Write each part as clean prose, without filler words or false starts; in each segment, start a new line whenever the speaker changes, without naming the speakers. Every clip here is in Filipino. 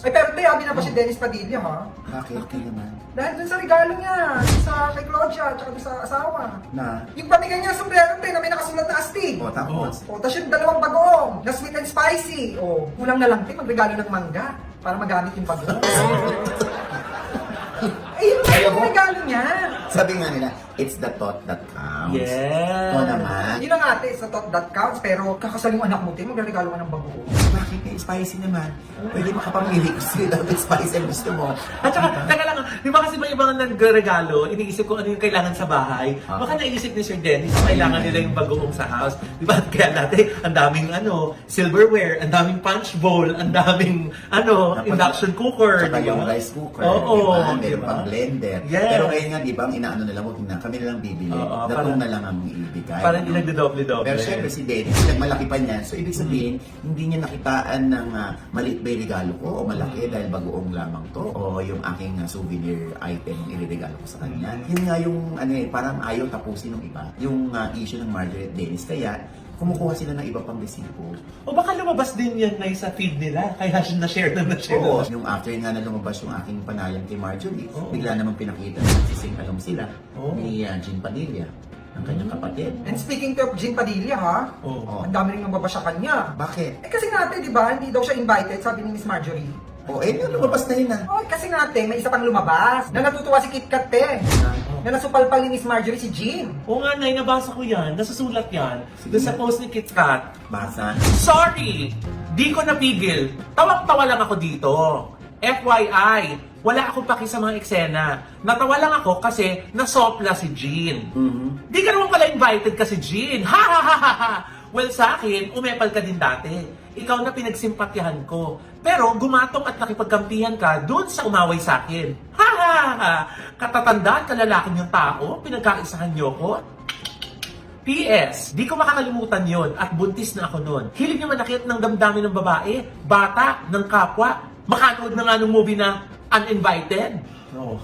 Ay, pero hindi, abi na pa si Dennis Padilla, ha?
Bakit ka naman?
Dahil dun sa regalo niya, sa kay Claudia, tsaka dun sa asawa.
Na?
Yung pamigay niya sombrero, na may nakasulat na astig.
O, tapos?
O, tapos yung dalawang bagoong, na sweet and spicy. O, kulang na lang, magregalo ng mangga para magamit yung bagoong. Ay, yun yung regalo niya.
Sabi nga nila, it's the thought that counts.
Yes.
Ito naman.
Yun ang ate, sa thought that counts, pero kakasal yung anak mo, magregalo ka ng bagoong.
Bakit may spicy naman? Pwede makapamili kung sino dapat spicy ang gusto mo.
At saka, teka lang, di ba kasi may ibang nagregalo, iniisip ko ano yung kailangan sa bahay. Baka naisip ni Sir Dennis, kailangan nila yung bagoong sa house. Di ba? Kaya natin, ang daming silverware, ang daming punch bowl, ang daming induction cooker.
Tsaka
di ba?
yung rice cooker.
Oo.
Diba? Meron
Diba?
pang blender.
Yes.
Pero ngayon nga, di ba, ang inaano na lang, huwag na, kami na lang bibili.
Oo,
Datong na lang ang ibigay.
Parang hindi nagdodoble-doble.
Pero syempre si Dennis, nagmalaki pa niya. So ibig sabihin, hindi niya nakitaan ng maliit ba yung regalo ko o malaki dahil bagoong lamang to o yung aking souvenir item iririgalo ko sa kanya. Yun nga yung parang ayaw tapusin ng iba. Yung issue ng Margaret Dennis. Kaya kumukuha sila ng iba pang resibo.
O baka lumabas din yan na sa feed nila, kaya na-share na-share.
Oo, yung after nga na lumabas yung aking panayam kay Marjorie, bigla namang pinakita na sising-along sila ni Jean Padilla, ang kanyang kapatid.
And speaking of Jean Padilla, ha?
Oo.
Ang dami rin nagbaba sa kanya.
Bakit?
Eh kasi nga ate, di ba, hindi daw siya invited, sabi ni Miss Marjorie.
Lumabas na yun
Oh, kasi nga ate, may isa pang lumabas. Na natutuwa si Kit Kat, na nasupalpal ni Miss Marjorie si Jean.
Oo nga, Nay, nabasa ko yan. Nasusulat yan. Doon sa post ni Kit Kat.
Basa.
Sorry! Di ko napigil. Tawang-tawa lang ako dito. FYI, wala akong paki sa mga eksena. Natawa lang ako kasi nasopla si Jean. Di ka naman pala invited kasi Jean. Ha ha ha ha ha! Well, sa akin, umepal ka din dati. Ikaw na pinagsimpatyahan ko. Pero gumatong at nakipagkampihan ka doon sa umaway sa akin. Ha ha ha! Katatandaan kalalaking yung tao, pinagkaisahan niyo ko. PS, di ko makakalimutan yon at buntis na ako noon. Hilig niya manakit ng damdamin ng babae, bata, ng kapwa. Makanood na nga ng movie na Uninvited. No.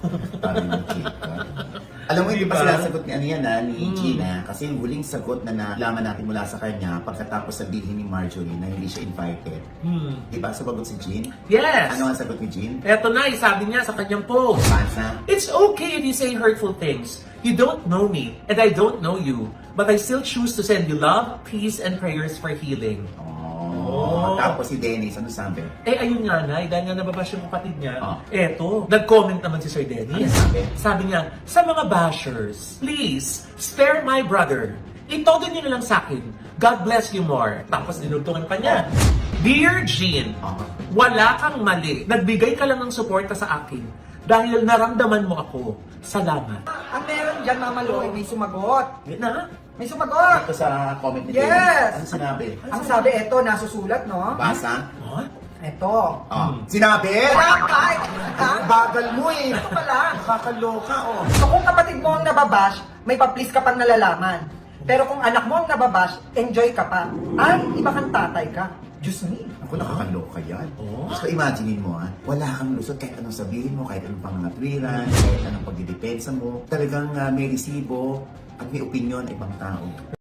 Alam mo, hindi pa
Diba?
sinasagot ni ni Gina, kasi yung huling sagot na nalaman natin mula sa kanya pagkatapos sabihin ni Marjorie na hindi siya invited. Diba, sumagot si Jean?
Yes!
Ano ang sagot ni Jean?
Eto na, sabi niya sa kanyang post.
Basa.
It's okay if you say hurtful things. You don't know me, and I don't know you. But I still choose to send you love, peace, and prayers for healing.
Tapos si Dennis, ano sabi?
Ayun nga, Nay, dahil nga nababash yung kapatid niya, eto, nag-comment naman si Sir Dennis.
Ano sabi?
Sabi niya, sa mga bashers, please, spare my brother. Itodo niyo na lang sa akin. God bless you more. Tapos dinugtungan pa niya. Dear Jean, wala kang mali. Nagbigay ka lang ng suporta sa akin dahil naramdaman mo ako. Salamat.
Ang meron dyan, Mama Loy, may sumagot.
Na?
May sumagot!
Ito sa comment ni
Yes!
Dennis. Ano sinabi?
Ang sabi, eto, nasusulat, no?
Basa?
What?
Eto.
Sinabi?
Bakit? Ha?
Bagal mo eh.
Ito pala.
Nakakaloka
So kung kapatid mo ang nababash, may pa-please ka pang nalalaman. Pero kung anak mo ang nababash, enjoy ka pa. Ay, iba kang tatay ka. Diyos me.
Ako nakakaloka yan. So imaginein mo wala kang lusot kahit anong sabihin mo, kahit anong pangangatwiran, kahit anong pagdidepensa mo. Talagang may resibo at may opinion ibang tao.